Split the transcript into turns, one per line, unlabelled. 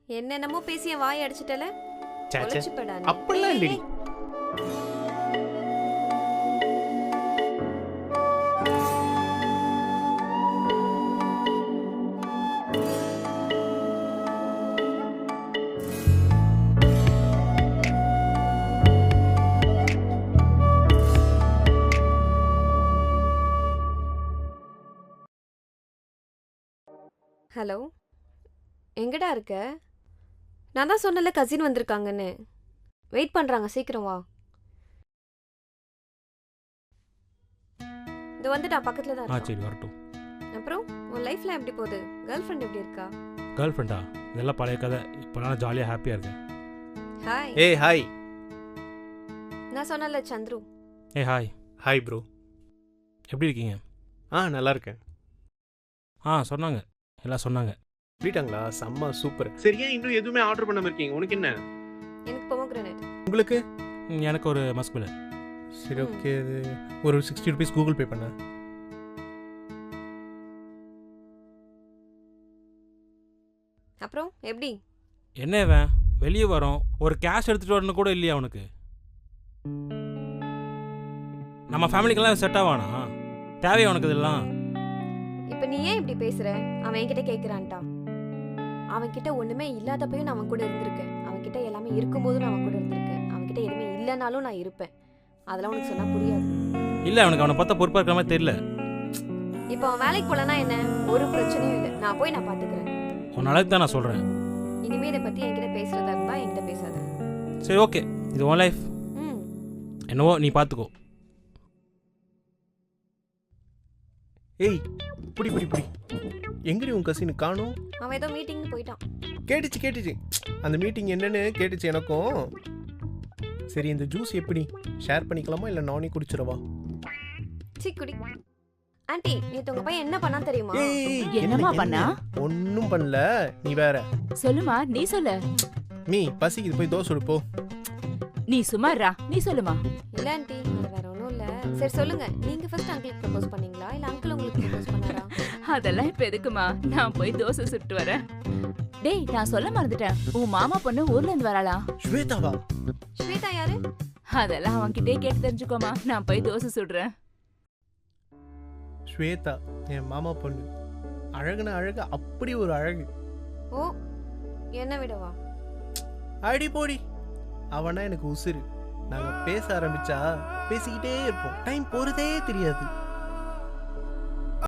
என்னென்னமோ பேசி என் வாய் அடிச்சிட்டல.
அப்படிலாம் இல்லடி.
ஹலோ, எங்கடா இருக்க? நான் தான் சொன்னல கசின் வந்திருக்காங்கன்னு. வெயிட் பண்றாங்க, சீக்கிரம் வா. இது வந்துட்டா, பக்கத்துல தான் இருக்கா.
சரி வரட்டும்.
அப்புறம் உன் லைஃப்ல எப்படி போகுது? கேர்ள் ஃப்ரெண்ட் எப்படி இருக்கா?
கேர்ள் ஃப்ரெண்டா? இதெல்லாம் பழைய கதை. இப்போ நான் ஜாலியாக ஹாப்பியாக இருக்கேன்.
ஹாய்.
ஏய் ஹாய்.
நான் சொன்னல சந்துரு.
ஹாய்.
Hi bro.
எப்படி இருக்கீங்க?
நல்லா இருக்கேன்.
சொன்னாங்க, எல்லாம் சொன்னாங்க.
சொல்லிட்டாங்களா? செம்ம சூப்பர். சரியா இன்னும் எதுவுமே ஆர்டர் பண்ணாம இருக்கீங்க? உனக்கு என்ன?
எனக்கு பொமோகிரானேட்.
உங்களுக்கு?
எனக்கு ஒரு மஸ்குல.
சரி ஓகே, ஒரு 60 rupees கூகுள் பே பண்ண.
அப்புறம் எப்படி?
என்ன இவன் வெளியே வரோம், ஒரு கேஷ் எடுத்துகிட்டு வரணும் கூட இல்லையா அவனுக்கு? நம்ம ஃபேமிலிக்கெல்லாம் செட் ஆவானா? தேவையா உனக்கு இதெல்லாம்?
இப்போ நீ ஏன் இப்படி பேசுற? அவன் என்கிட்ட கேட்குறான்ட்டான். அவன்கிட்ட ஒன்றுமே இல்லாதப்பையும் நான் அவன் கூட இருந்திருக்கேன். அவன்கிட்ட எல்லாமே இருக்கும்போதும் நான் அவன் கூட இருந்திருக்கேன். அவன்கிட்ட எதுவுமே இல்லைனாலும் நான் இருப்பேன். அதெல்லாம் உனக்கு சொன்னால் புரியாது.
இல்லை, அவனுக்கு அவனை பார்த்தா பொறுப்பாக இருக்கிற மாதிரி தெரியல.
இப்போ அவன் வேலைக்கு போகலன்னா என்ன? ஒரு பிரச்சனையும் இல்லை, நான் போய் நான் பார்த்துக்கிறேன்.
உன் அளவுக்கு தான் நான் சொல்கிறேன்.
இனிமேல் இதை பற்றி என்கிட்ட பேசுகிறதா இருந்தால் என்கிட்ட பேசாத.
சரி ஓகே, இது உன் லைஃப். என்னவோ நீ பார்த்துக்கோ.
ஏய் புடி புடி புடி. எங்கடி உன் கசின் காணோம்?
அவன் ஏதோ மீட்டிங்னு போயிட்டான்.
கேட்டுச்சு. அந்த மீட்டிங் என்னன்னு கேட்டுச்சு எனக்கும். சரி, இந்த ஜூஸ் எப்படி ஷேர் பண்ணிக்கலாமா இல்லை நானே குடிச்சிடவா?
குடி. ஆண்டி, நேத்து உங்க பையன் என்ன பண்ணா தெரியுமா?
என்னமா பண்ணா?
ஒன்னும் பண்ணல, நீ வேற.
சொல்லுமா, நீ சொல்லு.
மீ பசிக்குது, போய் தோசை சுடு போ.
நீ சும்மாறா, நீ சொல்லுமா.
இல்ல ஆண்டி, அது வேற ஒண்ணும் இல்ல. சரி சொல்லுங்க, நீங்க ஃபர்ஸ்ட் அங்கிளுக்கு ப்ரப்போஸ் பண்ணீங்களா இல்ல அங்கிள் உங்களுக்கு ப்ரப்போஸ் பண்ணாரா?
அதெல்லாம் இப்ப எதுக்குமா, நான் போய் தோசை சுட்டு வரேன். டேய், நான் சொல்ல மறந்துட்டேன், உன் மாமா பொண்ணு ஊர்ல இருந்து வராளா?
ஸ்வேதாவா?
ஸ்வேதா யாரு?
அதெல்லாம் அவன்கிட்டே கேட்டு தெரிஞ்சுக்கோமா, நான் போய் தோசை சுடுறேன்.
ஸ்வேதா என் மாமா பொண்ணு. அழகுன அழகு, அப்படி ஒரு அழகு.
ஓ, என்ன விடவா?
அடி போடி. அவனா எனக்கு உசுரு. நாங்க பேச ஆரம்பிச்சா பேசிக்கிட்டே இருப்போம். டைம் போறதே தெரியாது.